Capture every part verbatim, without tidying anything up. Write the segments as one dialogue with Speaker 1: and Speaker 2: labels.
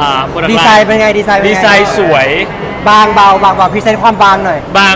Speaker 1: อ่าโปรดักต์
Speaker 2: ดีไซน์เป็นไงดีไซน์เป็นไง
Speaker 1: ดีไซน์สวย
Speaker 2: บางเบาบางเบาพรีเซนต์ความบางหน่อย
Speaker 1: บาง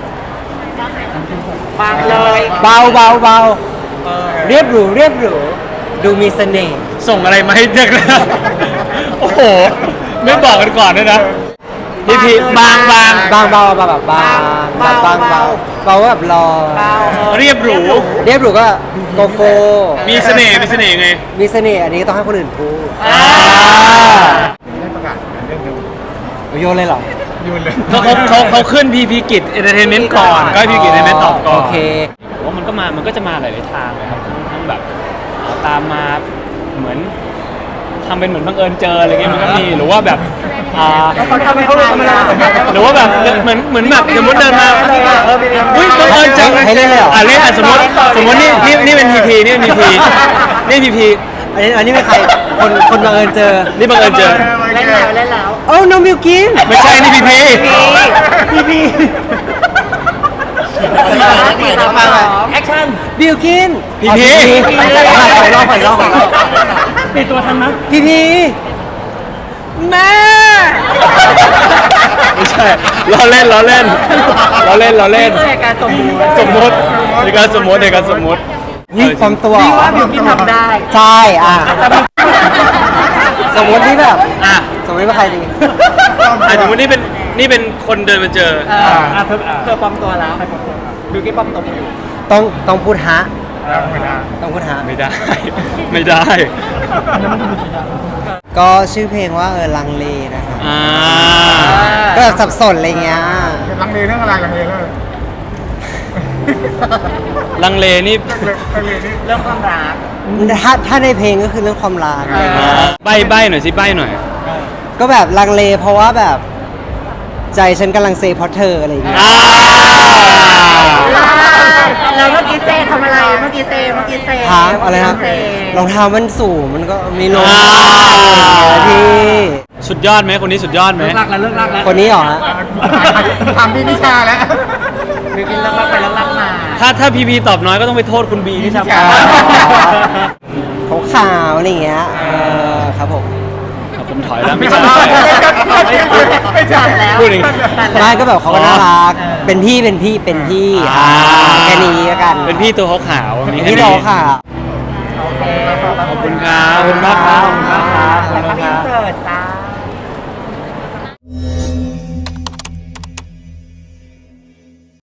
Speaker 3: บางเลย
Speaker 2: เบาเบาเบาเรียบหรูเรียบหรูดูมีเสน่ห์
Speaker 1: ส่งอะไรมาให้เด็กนะ โอ้โห ไม่บอกกันก่อนด้วยนะพี่พีบางบาง
Speaker 2: บางเบาเบาแบบบางแบบบางเบาเบาแบบรอ
Speaker 3: เบา
Speaker 1: เรียบหรู
Speaker 2: เรียบหรูก็โกโก้
Speaker 1: มีเสน่ห์มีเสน่ห์ไง
Speaker 2: มีเสน่ห์อันนี้ต้องให้คนอื่นพูด
Speaker 1: อ่า
Speaker 4: ได้ประกาศเรื่องดู
Speaker 2: โยนเลยเหรอ
Speaker 4: ยูนเลย
Speaker 1: เขาเขาเขาเขาขึ้นพีพีกิจเอนเตอร์เทนเมนต์ก่อนก็ให้พีกิจเอนเตอร์เทนเมนต์ตอบก่อน
Speaker 2: โอเค
Speaker 1: ว่ามันก็มามันก็จะมาหลายๆทางเลยครับทั้งทั้งแบบตามมาเหมือนทำเป็นเหมือนบังเอิญเจออะไรเงี้ยมันก็มีหรือว่าแบบอ่า
Speaker 3: เขาทำให้เขาทำอะไร
Speaker 1: หรือว่าแบบเหมือนเหมือนแบบสมมติเดินมาอุ้ยบังเอิญจัง
Speaker 2: ให้เล่นเลยเหรอ
Speaker 1: อ่ะเล่นอ่ะสมมติสมมตินี่นี่นี่เป็นพีพีนี่เป็นพีพีนี่พีพี
Speaker 2: อันนี้อันนี้เป็นใครคนคนบังเอิญเจอ
Speaker 1: นี่บังเอิญเจอ
Speaker 3: เล่นแล้วเล่นแล้ว
Speaker 2: โอ้น้องมิวกิน
Speaker 1: ไม่ใช่นี่พีพี
Speaker 2: พี่พี่
Speaker 3: แอคชั่น
Speaker 2: บิวกิน
Speaker 1: พีพี
Speaker 2: ขอรอบขอรอบขอรอบ
Speaker 3: ปิดตัวทันนะ
Speaker 2: พี่พี่แม่
Speaker 1: ไม่ใช่ล้อเล่นล้อเล่นล้อเล่นล้อเล่น
Speaker 3: นี่คือการสมมติ
Speaker 1: สมมติในการสมมติในการสมมติ
Speaker 2: นี่ปลอมตัว
Speaker 3: พี่ว่าบิวกินทำได้
Speaker 2: ใช่อ่ะสมมติที่แบบ
Speaker 1: อ่ะ
Speaker 2: สมมติว่าใครดี
Speaker 1: อ่ะสมมตินี่เป็นนี่เป็นคนเดินมาเจอ
Speaker 3: เอออ่ะเธอเธอปลอมตัวแล้วบิวกินปลอมตัวอยู่
Speaker 2: ต้องต้องพูดฮะ
Speaker 4: ไม่ได้
Speaker 2: ต้องพูดฮะ
Speaker 1: ไม่ได้ ไม่ได้
Speaker 2: ก็ชื่อเพลงว่าเออลังเลนะคะ
Speaker 1: อ่า
Speaker 2: ก็แบบสับสนอะไรเงี้ย
Speaker 4: ลังเลเรื่องอะไรลังเลเรื่องอะไร
Speaker 1: ลังเลนี่
Speaker 4: ลังเลนี่
Speaker 3: เรื่องความรัก
Speaker 2: ถ้าถ้าในเพลงก็คือเรื่องความรัก
Speaker 1: ใบใบหน่อยสิใบหน่อย
Speaker 2: ก็แบบลังเลเพราะว่าแบบใจฉันกำลังเซเพราะเธออะไรอย่างเงี้ย
Speaker 1: อ่า
Speaker 3: แล้วเมื่อกี้เซทำอะไรเมื่อกี้เซเมื่อกี้เซ
Speaker 2: ฮะอะไรนะ
Speaker 3: เซ
Speaker 2: รองเท้ามันสูงมันก็มีลม
Speaker 1: อ่า
Speaker 2: พี่
Speaker 1: สุดยอดไหมคนนี้สุดยอดไหม
Speaker 3: เลิกรักแล้วเลิกรักแล้ว
Speaker 2: คนนี้เหรอฮะ
Speaker 4: ทำพี่นิชาแล้ว
Speaker 3: บิวกินเลิกรักไปแล้วรักมา
Speaker 1: ถ้าถ้าพีพีตอบน้อยก็ต้องไปโทษคุณบีที่ทำ
Speaker 4: ใช่
Speaker 2: เขาขาวอะไรอย่างเงี้ยเออครับผม
Speaker 1: ผมถอยแล้วไม่ใช่
Speaker 4: ไม่ใช่
Speaker 3: แล้ว
Speaker 1: พูดอย่างนี้
Speaker 2: ไม่ก็แบบเขาก็น่ารักเป็นพี่เป็นพี่เป็นพี่
Speaker 1: อ่า
Speaker 2: อ่าแค่นี้แล้วกัน
Speaker 1: เป็นพี่ตัวขาวๆมี
Speaker 2: เป็น
Speaker 1: แค่
Speaker 2: พี่
Speaker 1: นี้
Speaker 2: เราค่ะ
Speaker 3: โอเค
Speaker 1: ขอบคุณครับขอบคุณมากครับขอบคุณมากครับขอบ
Speaker 3: แล้ว
Speaker 1: คุ
Speaker 3: ก็
Speaker 1: ณ
Speaker 3: มี
Speaker 1: ครับ
Speaker 3: เสิร์ตจ้า